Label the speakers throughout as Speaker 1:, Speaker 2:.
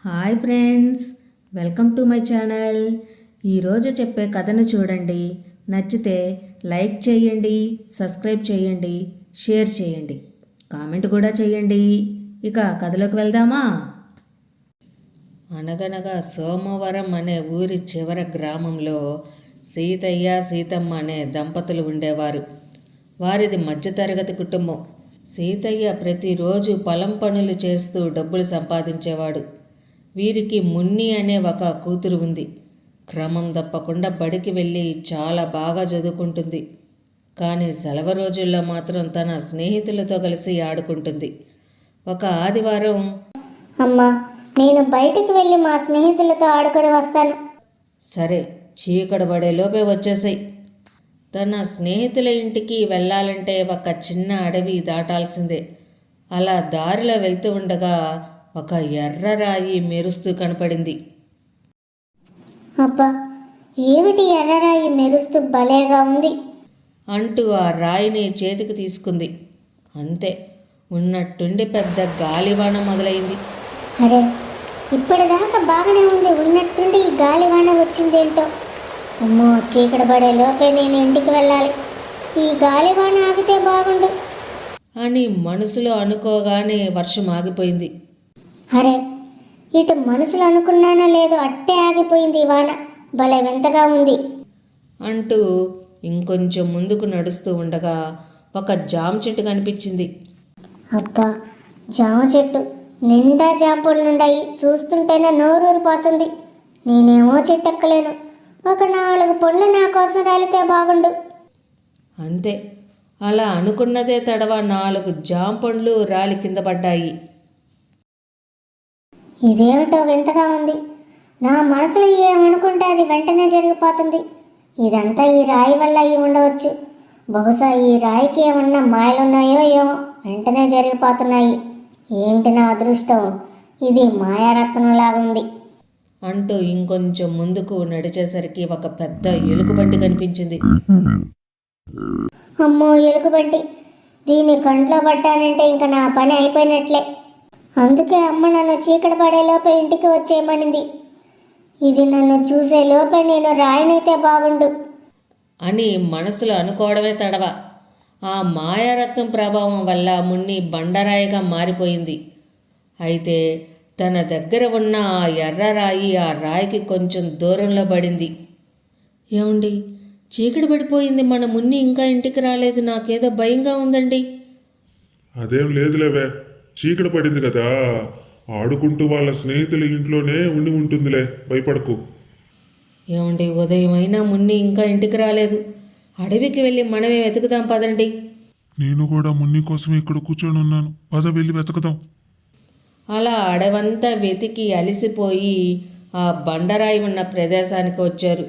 Speaker 1: Hi friends, welcome to my channel. ఈరోజు చెప్పే కథను చూడండి. నచ్చితే లైక్ చేయండి, సబ్స్క్రైబ్ చేయండి, షేర్ చేయండి, కామెంట్ కూడా చేయండి. ఇక కథలోకి వెళ్దామా? అనగనగా సోమవరం అనే ఊరి చివర గ్రామంలో సీతయ్య సీతమ్మ అనే దంపతులు ఉండేవారు. వారిది మధ్యతరగతి కుటుంబం. సీతయ్య ప్రతిరోజు పొలం పనులు చేస్తూ డబ్బులు సంపాదించేవాడు. వీరికి మున్ని అనే ఒక కూతురు ఉంది. క్రమం తప్పకుండా బడికి వెళ్ళి చాలా బాగా చదువుకుంటుంది. కానీ సెలవు రోజుల్లో మాత్రం తన స్నేహితులతో కలిసి ఆడుకుంటుంది. ఒక ఆదివారం,
Speaker 2: అమ్మా, నేను బయటికి వెళ్ళి మా స్నేహితులతో ఆడుకొని వస్తాను.
Speaker 1: సరే, చీకటి పడేలోపే వచ్చేసాయి. తన స్నేహితుల ఇంటికి వెళ్ళాలంటే ఒక చిన్న అడవి దాటాల్సిందే. అలా దారిలో వెళ్తూ ఉండగా ఒక ఎర్ర రాయి మెరుస్తూ కనపడింది.
Speaker 2: అబ్బా, ఏమిటి ఎర్రరాయి మెరుస్తూ భలేగా ఉంది
Speaker 1: అంటూ ఆ రాయిని చేతికి తీసుకుంది. అంతే, ఉన్నట్టుండి పెద్ద గాలివాన మొదలైంది.
Speaker 2: అరే, ఇప్పటిదాకా బాగానే ఉంది, ఉన్నట్టుండి ఈ గాలివాన వచ్చిందేంటో. అమ్మో, చీకటి పడే లోపే నేను ఇంటికి వెళ్ళాలి. ఈ గాలివాన ఆగితే బాగుండు
Speaker 1: అని మనసులో అనుకోగానే వర్షం ఆగిపోయింది.
Speaker 2: అరే, ఇటు మనసులో అనుకున్నానో లేదో అట్టే ఆగిపోయింది ఈ వాన. భలే వింతగా ఉంది
Speaker 1: అంటూ ఇంకొంచెం ముందుకు నడుస్తూ ఉండగా ఒక జామ చెట్టు కనిపించింది.
Speaker 2: అబ్బా, జామ చెట్టు నిండా జామ పళ్ళుండాయి. చూస్తుంటేనే నోరూరిపోతుంది. నేనేమో చెట్టు ఎక్కలేను. ఒక 4 పళ్ళు నా కోసం రాలితే బాగుండు.
Speaker 1: అంతే, అలా అనుకున్నదే తడవ 4 జామ పండ్లు రాలి కింద పడ్డాయి.
Speaker 2: ఇదేమిటో వింతగా ఉంది. నా మనసులో ఏమనుకుంటే అది వెంటనే జరిగిపోతుంది. ఇదంతా ఈ రాయి వల్ల అయి ఉండవచ్చు. బహుశా ఈ రాయికి ఏమన్నా మాయలున్నాయో ఏమో, వెంటనే జరిగిపోతున్నాయి. ఏమిటి నా అదృష్టం, ఇది మాయారత్నంలాగుంది
Speaker 1: అంటూ ఇంకొంచెం ముందుకు నడిచేసరికి ఒక పెద్ద ఎలుగుబంటి కనిపించింది.
Speaker 2: అమ్మో, ఎలుగుబంటి! దీని కంట్లో పడ్డానంటే ఇంకా నా పని అయిపోయినట్లే. అందుకే అమ్మ నన్ను చీకటి పడేలోపే ఇంటికి వచ్చేయమనింది. ఇది నన్ను చూసే లోపే నేను రాయినైతే బాగుండు
Speaker 1: అని మనసులో అనుకోవడమే తడవ. ఆ మాయారత్నం ప్రభావం వల్ల మున్ని బండరాయిగా మారిపోయింది. అయితే తన దగ్గర ఉన్న ఆ ఎర్రరాయి ఆ రాయికి కొంచెం దూరంలో పడింది. ఏమండి, చీకటి పడిపోయింది, మన మున్ని ఇంకా ఇంటికి రాలేదు, నాకేదో భయంగా ఉందండి.
Speaker 3: అదేం లేదులేవే, చీకటి పడింది కదా, ఆడుకుంటూ వాళ్ళ స్నేహితుల ఇంట్లోనే ఉండి ఉంటుందిలే, భయపడకు.
Speaker 1: ఏమండి, ఉదయం అయినా మున్ని ఇంకా ఇంటికి రాలేదు. అడవికి వెళ్ళి మనమే వెతుకుదాం పదండి.
Speaker 3: నేను కూడా మున్ని కోసం ఇక్కడ కూర్చొని ఉన్నాను, పద వెళ్ళి వెతుకుదాం.
Speaker 1: అలా అడవంతా వెతికి అలిసిపోయి ఆ బండరాయి ఉన్న ప్రదేశానికి వచ్చారు.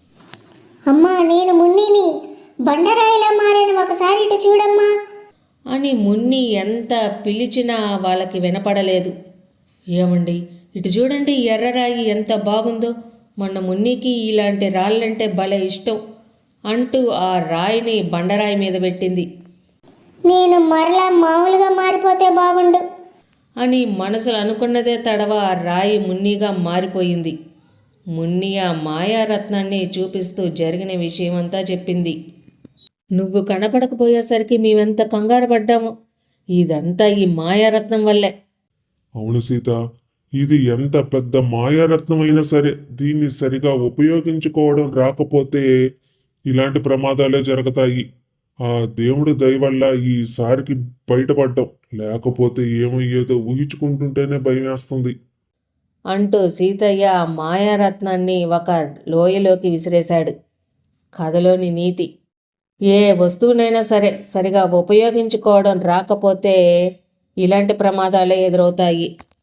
Speaker 2: అమ్మా, నేను మున్నిని, బండరాయిలా మారాను, ఒకసారి ఇటు చూడమ్మా
Speaker 1: అని మున్ని ఎంత పిలిచినా వాళ్ళకి వినపడలేదు. ఏమండి, ఇటు చూడండి, ఎర్రరాయి ఎంత బాగుందో, మొన్న మున్నికి ఇలాంటి రాళ్ళంటే భలే ఇష్టం అంటూ ఆ రాయిని బండరాయి మీద పెట్టింది.
Speaker 2: నేను మరలా మామూలుగా మారిపోతే బాగుండు
Speaker 1: అని మనసులో అనుకున్నదే తడవ ఆ రాయి మున్నిగా మారిపోయింది. మున్ని ఆ మాయారత్నాన్ని చూపిస్తూ జరిగిన విషయమంతా చెప్పింది. నువ్వు కనపడకపోయేసరికి మేమెంత కంగారు పడ్డాము. ఇదంతా ఈ మాయారత్నం వల్లే.
Speaker 3: అవును సీత, ఇది ఎంత పెద్ద మాయారత్నం అయినా సరే దీన్ని సరిగా ఉపయోగించుకోవడం రాకపోతే ఇలాంటి ప్రమాదాలే జరుగుతాయి. ఆ దేవుడి దయ వల్ల ఈసారికి బయటపడ్డాం, లేకపోతే ఏమయ్యేదో ఊహించుకుంటుంటేనే భయం వేస్తుంది
Speaker 1: అంటూ సీతయ్య ఆ మాయారత్నాన్ని ఒక లోయలోకి విసిరేశాడు. కథలోని నీతి: ఏ వస్తువునైనా సరే సరిగా ఉపయోగించుకోవడం రాకపోతే ఇలాంటి ప్రమాదాలే ఎదురవుతాయి.